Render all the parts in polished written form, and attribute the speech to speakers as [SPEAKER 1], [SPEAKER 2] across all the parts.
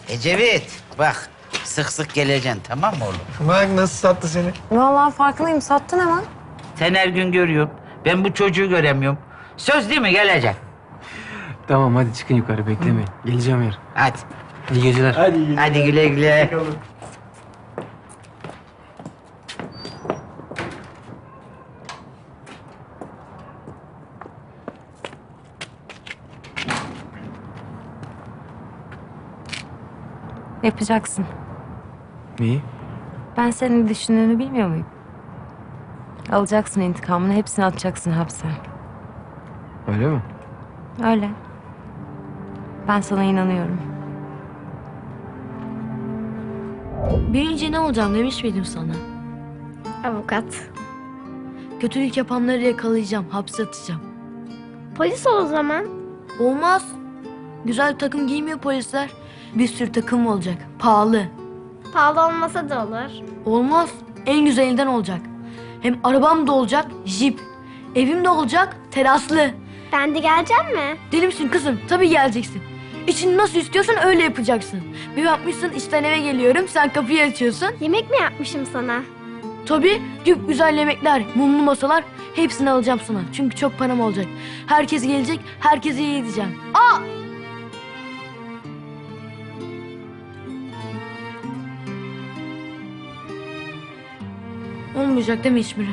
[SPEAKER 1] Ecevit, bak sık sık geleceksin, tamam mı oğlum?
[SPEAKER 2] Bak nasıl sattı seni.
[SPEAKER 3] Vallahi farkındayım. Sattın hemen.
[SPEAKER 1] Sen her gün görüyorsun. Ben bu çocuğu göremiyorum. Söz değil mi, gelecek?
[SPEAKER 4] Tamam hadi çıkın yukarı beklemeyin. Geleceğim yarın.
[SPEAKER 1] Hadi.
[SPEAKER 4] İyi geceler.
[SPEAKER 1] Hadi güle güle.
[SPEAKER 3] Yapacaksın.
[SPEAKER 4] Neyi?
[SPEAKER 3] Ben senin düşündüğünü bilmiyor muyum? Alacaksın intikamını, hepsini atacaksın hapse.
[SPEAKER 4] Öyle mi?
[SPEAKER 3] Öyle. Ben sana inanıyorum.
[SPEAKER 5] Büyüyünce ne olacağım demiş miydim sana?
[SPEAKER 6] Avukat.
[SPEAKER 5] Kötülük yapanları yakalayacağım, hapse atacağım.
[SPEAKER 6] Polis ol o zaman.
[SPEAKER 5] Olmaz. Güzel takım giymiyor polisler. Bir sürü takım olacak, pahalı.
[SPEAKER 6] Pahalı olmasa da olur.
[SPEAKER 5] Olmaz, en güzelinden olacak. Hem arabam da olacak, jip. Evim de olacak, teraslı.
[SPEAKER 6] Ben de geleceğim mi?
[SPEAKER 5] Deli misin kızım? Tabii geleceksin. İçini nasıl istiyorsan öyle yapacaksın. Bir bakmışsın işten eve geliyorum, sen kapıyı açıyorsun.
[SPEAKER 6] Yemek mi yapmışım sana?
[SPEAKER 5] Tabii güzel yemekler, mumlu masalar hepsini alacağım sana. Çünkü çok param olacak. Herkes gelecek, herkese iyi edeceğim. Aa! Olmayacak değil mi hiçbiri?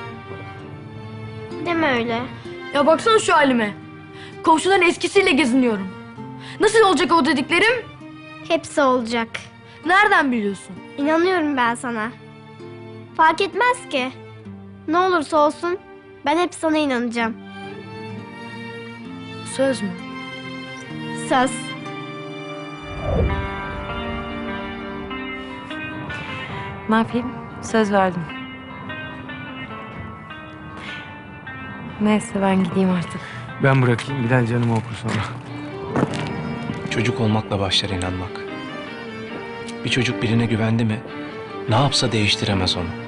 [SPEAKER 6] Deme öyle.
[SPEAKER 5] Ya baksana şu halime. Komşuların eskisiyle geziniyorum. Nasıl olacak o dediklerim?
[SPEAKER 6] Hepsi olacak.
[SPEAKER 5] Nereden biliyorsun?
[SPEAKER 6] İnanıyorum ben sana. Fark etmez ki. Ne olursa olsun ben hep sana inanacağım.
[SPEAKER 5] Söz mü?
[SPEAKER 6] Söz.
[SPEAKER 3] Ne yapayım? Söz verdim. Neyse ben gideyim artık.
[SPEAKER 4] Ben bırakayım. Bilal canımı okur sonra.
[SPEAKER 7] Çocuk olmakla başlar inanmak. Bir çocuk birine güvendi mi, ne yapsa değiştiremez onu.